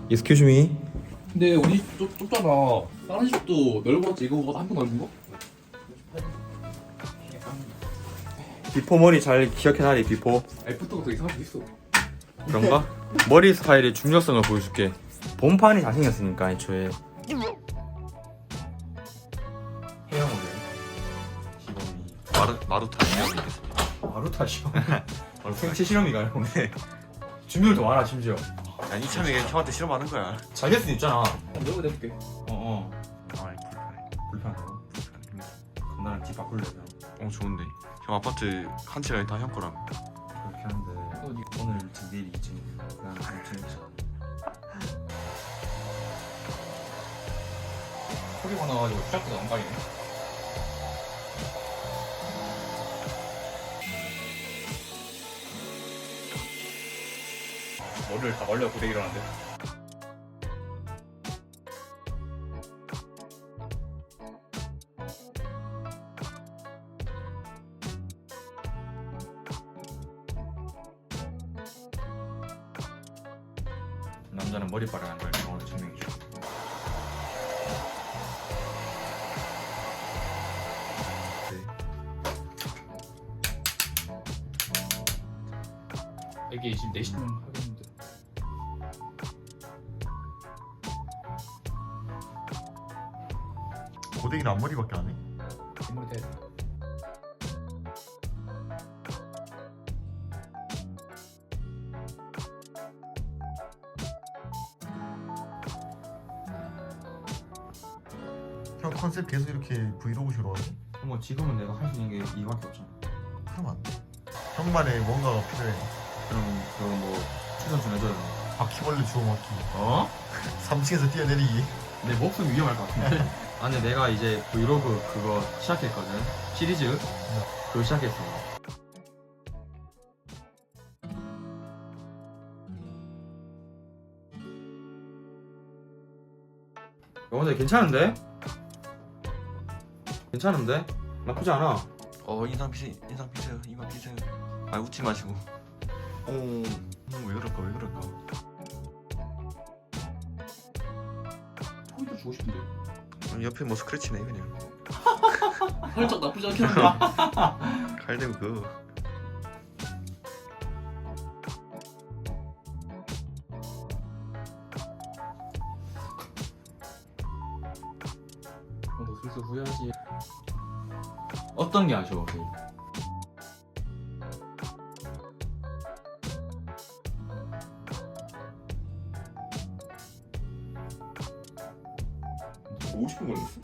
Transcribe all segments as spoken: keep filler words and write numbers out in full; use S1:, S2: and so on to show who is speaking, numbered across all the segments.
S1: Excuse me.
S2: 근데 우리 집 좁, 좁잖아. 다른 집도 넓었지. 이거보다 한 번 넓은 거?
S1: 비포 머리 잘 기억해놔리 비포.
S2: 애프터가 더 이상할 수 있어.
S1: 그런가? 머리 스타일의 중요성을 보여줄게. 본판이 잘생겼으니까 애초에. 헤어 모델 시범이
S3: 마루 마루타 시험이
S1: 마루타 시험. 생체 실험이가요? 네. 준비를 더 많아 심지어.
S3: 야 이참에 형한테 실험하는 거야.
S1: 잘 될 수도 있잖아.
S2: 내가 내볼게.
S1: 어어.
S3: 아이 불편해.
S1: 불편하다고? 그럼 나랑 집 바꿀래 그럼.
S3: 어 좋은데. 형 아파트 한 채가 다 형 거라며.
S1: 그렇게 하는데 오늘 일 층 내일 이 층 그다음 삼 층.
S2: 소리가 나가지고 시작보다 안 가리네. 머리를 다 말려 고데기를 하는데.
S1: 남자는 머리빨을 안 걸 경험을 증명해줘.
S2: 이게 지금 네 시면 하겠는데.
S3: 고데기는 앞머리밖에 안 해.
S2: 뒷머리 대.
S3: 형 컨셉 계속 이렇게 브이로그식으로 하지?
S1: 뭐 지금은 내가 할 수 있는 게 이밖에 없잖아.
S3: 그럼 안 돼. 형만의 뭔가가 필요해.
S1: 그럼 그거 뭐 추천 좀 해줘요.
S3: 바퀴벌레 주워먹기.
S1: 어?
S3: 삼 층에서 뛰어내리기.
S1: 내 목숨 위험할 것 같은데. 아니 내가 이제 브이로그 그거 시작했거든. 시리즈. 그거 시작했어. 어, 근데 괜찮은데? 괜찮은데? 나쁘지 않아.
S3: 어 인상 피세 인상 피세요 이마 피세요. 아 웃지 마시고. 어, 어, 왜 그럴까 왜 그럴까.
S2: 포인트 주고 싶은데.
S3: 어, 옆에 뭐 스크래치네 그냥.
S2: 살짝 나쁘지 않겠는데.
S3: 칼 대고 그.
S2: 어, 너 슬슬 후회하지.
S1: 어떤 게 아쉬워? 제일?
S2: 오십 분 걸렸어?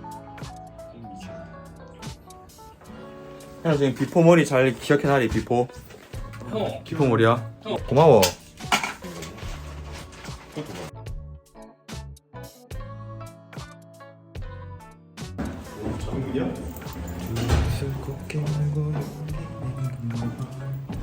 S1: 형 지금 비포 머리 잘 기억해놔리 비포.
S2: 형.
S1: 비포 머리야.
S2: 어.
S1: 고마워.
S2: 장문이야?